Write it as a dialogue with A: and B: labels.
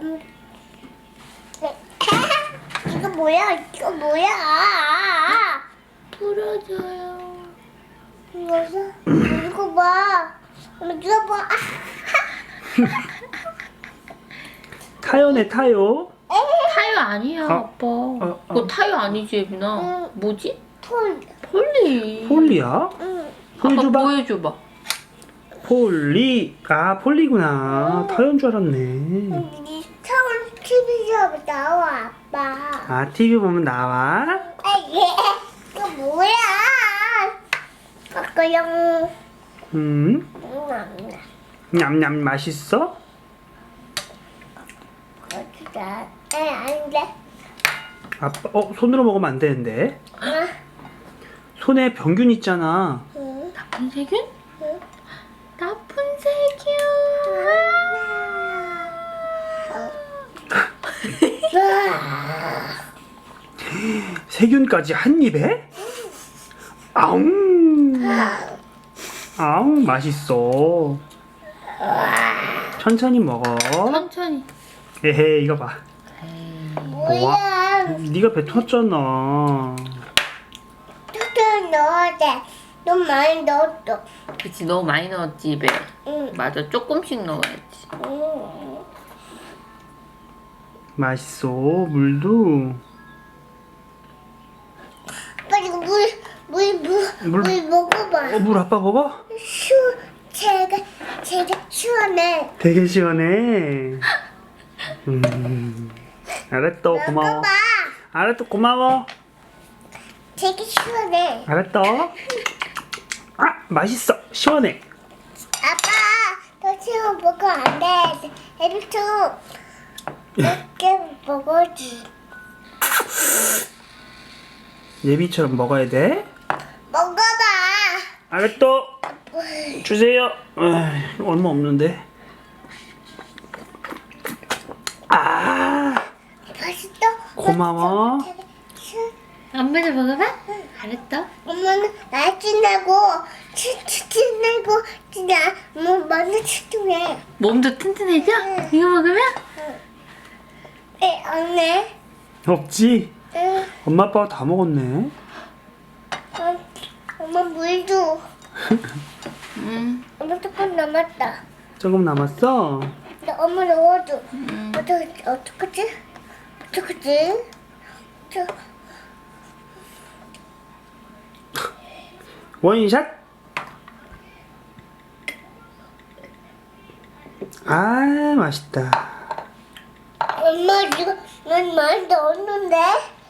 A: 이거 뭐야? 이거 뭐야? 부러져요. 이거 봐. 이거 봐.
B: 타요네 타요.
C: 타요 아니야, 아빠. 그거 타요 아니지, 예빈아?
A: 응.
C: 뭐지?
A: 폴리.
C: 폴리.
B: 폴리야?
A: 응.
B: 폴
C: 아빠
B: 줘봐.
C: 보여줘봐.
B: 폴리. 아 폴리구나. 타요인 줄 알았네.
A: 이 처음 TV에서 나와 아빠.
B: 아 TV 보면 나와?
A: 이거 뭐야? 아까랑
B: 냠냠 맛있어?
A: 진짜 아닌데.
B: 아빠 손으로 먹으면 안 되는데. 손에 병균 있잖아.
C: 나쁜 세균?
A: 응.
C: 나쁜 세균.
B: 세균까지 한 입에? 아웅. 아웅 맛있어. 천천히 먹어.
C: 천천히.
B: 에헤 이거 봐.
A: 뭐야?
B: 네가 뱉었잖아.
A: 툭툭 넣어야 돼. 너무 많이 넣었어.
C: 그치, 너무 많이 넣었지, 입에.
A: 응.
C: 맞아, 조금씩 넣어야지.
A: 응.
B: 맛있어 물도.
A: 빨리 물 먹어봐.
B: 물 아빠 먹어?
A: 제가 시원해.
B: 되게 시원해. 알았어 고마워.
A: 먹어봐.
B: 알았어 고마워.
A: 되게 시원해.
B: 알았어. 아 맛있어 시원해.
A: 아빠, 너 지금 먹으면 안 돼. 애비도 몇개 먹어지.
B: 예비처럼 먹어야 돼.
A: 먹어봐.
B: 알았어. 주세요. 얼마 없는데. 아
A: 맛있어?
B: 고마워.
C: 엄마도 먹어봐? 알았어.
A: 엄마는 날씬하고 치치치내고 진짜 뭐 많이 치통해.
C: 몸도 튼튼해져? 이거 먹으면?
A: 언니.
B: 없지?
A: 응.
B: 엄마 아빠가 다 먹었네.
A: 엄마 물 줘.
C: 응.
A: 엄마 조금 남았다.
B: 조금 남았어.
A: 나 엄마 넣어줘. 어떡하지?
B: 원샷. 아 맛있다.
A: 엄마 이거 난 많이 넣었는데.